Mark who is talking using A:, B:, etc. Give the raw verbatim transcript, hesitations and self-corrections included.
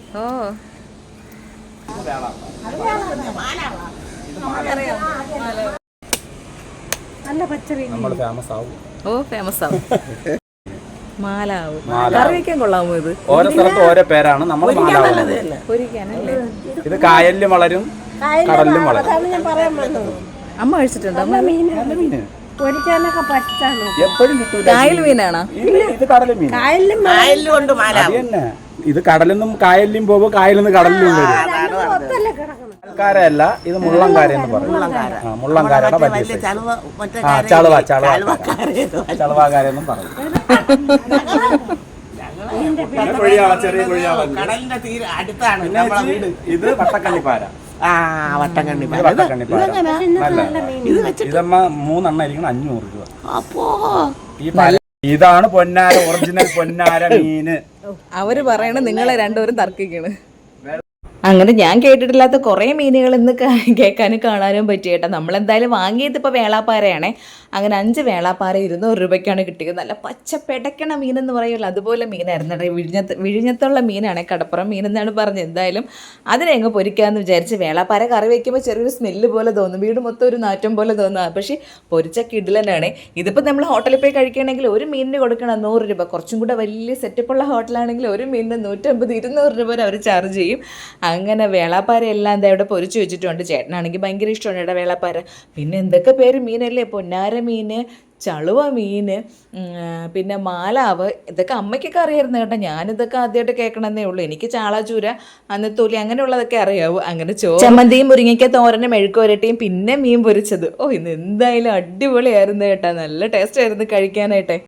A: ഓ
B: നല്ല പച്ചറി
C: നമ്മൾ ഫേമസ് ആവും.
A: ഓ ഫേമസ് ആവും. മാലാവും. കറി വയ്ക്കാൻ കൊള്ളാമോ ഇത്?
C: ഓരോ സ്ഥലത്ത് ഓരോ പേരാണ്. നമ്മൾ മാലാവ്.
A: പൊരിക്കാനല്ലേ?
C: ഇത് കായലിലും വളരും കടലിലും വളരും.
B: ഞാൻ പറയാൻ വന്നത്.
A: അമ്മ കഴിച്ചിട്ടുണ്ടോ? അമ്മ
C: മീന്
B: പൊരിക്കാനൊക്കെ പറ്റാണ്.
C: എപ്പോഴും കിട്ടൂല.
A: കായൽ മീനാണോ?
C: ഇത് കടലും മീൻ.
B: കായലിലും
D: കായലിലുണ്ട് മാല.
C: അത് തന്നെ. ഇത് കടലിന്നും കായലിലും പോകുമ്പോ കായലിൽ നിന്ന് കടലിലും വരും.
B: ഒത്തല്ലേ കിടക്കണം.
C: കാരയല്ല, ഇത് മുള്ളംകാര എന്ന് പറയും. ആ, മുള്ളംകാരയുടെ വലിയ
D: വലിയ
C: size.
D: ചളുവ മറ്റേ
C: ആ,
D: കാര്യം
C: ചളുവ
D: ഇല്ലേ?
C: ചളുവ
D: ചളുവക്കാരേത് വലിയ-
C: ചളുവാകാരെന്നും പറയും. പിന്നെ കുഴിയാള, ചെറിയ കുഴിയാള.
D: കടലിന്റെ തീരെ അടുത്താണ്
C: പിന്നെ
D: നമ്മളെ വീട്.
C: ഇത് വട്ടക്കണ്ണിപ്പാര.
D: ആ വട്ടക്കണ്ണി
C: ഇത് വട്ടക്കണ്ണിപ്പാര. നല്ല ഇതമ്മ മൂന്നെണ്ണ ഇരിക്കണം അഞ്ഞൂറ് രൂപ.
D: അപ്പോ
C: ഈ പാര ഇതാണ് പൊന്നാര, ഒറിജിനൽ പൊന്നാര മീന്.
A: അവര് പറയണ നിങ്ങളെ രണ്ടുപേരും തർക്കിക്കണ്. അങ്ങനെ ഞാൻ കേട്ടിട്ടില്ലാത്ത കുറേ മീനുകൾ ഇന്ന് കേൾക്കാനും കാണാനും പറ്റി കേട്ടോ. നമ്മളെന്തായാലും വാങ്ങിയത് ഇപ്പോൾ വേളാപ്പാരയാണേ. അങ്ങനെ അഞ്ച് വേളാപ്പാര ഇരുന്നൂറ് രൂപയ്ക്കാണ് കിട്ടിയത്. നല്ല പച്ച പെടക്കണ മീനെന്ന് പറയുമല്ലോ, അതുപോലെ മീനായിരുന്നു കേട്ടോ. വിഴിഞ്ഞത്ത് വിഴിഞ്ഞത്തുള്ള മീനാണ്, കടപ്പുറം മീനെന്നാണ് പറഞ്ഞത്. എന്തായാലും അതിനെ അങ്ങ് പൊരിക്കാമെന്ന് വിചാരിച്ച്. വേളാപ്പാര കറി വയ്ക്കുമ്പോൾ ചെറിയൊരു സ്മെല്ല് പോലെ തോന്നും, വീട് മൊത്തം ഒരു നാറ്റം പോലെ തോന്നുക. പക്ഷേ പൊരിച്ച കിടിലനാണ്. ഇതിപ്പോൾ നമ്മൾ ഹോട്ടലിൽ പോയി കഴിക്കുകയാണെങ്കിൽ ഒരു മീനിന് കൊടുക്കണം നൂറ് രൂപ. കുറച്ചും കൂടെ വലിയ സെറ്റപ്പുള്ള ഹോട്ടലാണെങ്കിൽ ഒരു മീനിന് നൂറ്റമ്പത് ഇരുന്നൂറ് രൂപ വരെ അവർ ചാർജ് ചെയ്യും. അങ്ങനെ വേളാപ്പാര എല്ലാം എന്താ ഇവിടെ പൊരിച്ച് വെച്ചിട്ടുണ്ട്. ചേട്ടനാണെങ്കിൽ ഭയങ്കര ഇഷ്ടമാണ് ഇവിടെ വേളാപ്പാര. പിന്നെ എന്തൊക്കെ പേര് മീനല്ലേ, പൊന്നാര മീൻ, ചളുവ മീൻ, പിന്നെ മാലാവ്. ഇതൊക്കെ അമ്മയ്ക്കൊക്കെ അറിയായിരുന്നു കേട്ടോ. ഞാനിതൊക്കെ ആദ്യമായിട്ട് കേൾക്കണമെന്നേ ഉള്ളൂ. എനിക്ക് ചാളാചൂര, അന്നത്തോലി അങ്ങനെയുള്ളതൊക്കെ അറിയാവൂ. അങ്ങനെ ചോ ചമ്മന്തിയും മുരിങ്ങയ്ക്ക തോരനും മെഴുക്കുവരട്ടിയും പിന്നെ മീൻ പൊരിച്ചത്. ഓ ഇന്ന് എന്തായാലും അടിപൊളിയായിരുന്നു കേട്ടോ. നല്ല ടേസ്റ്റ് ആയിരുന്നു കഴിക്കാനായിട്ടെ.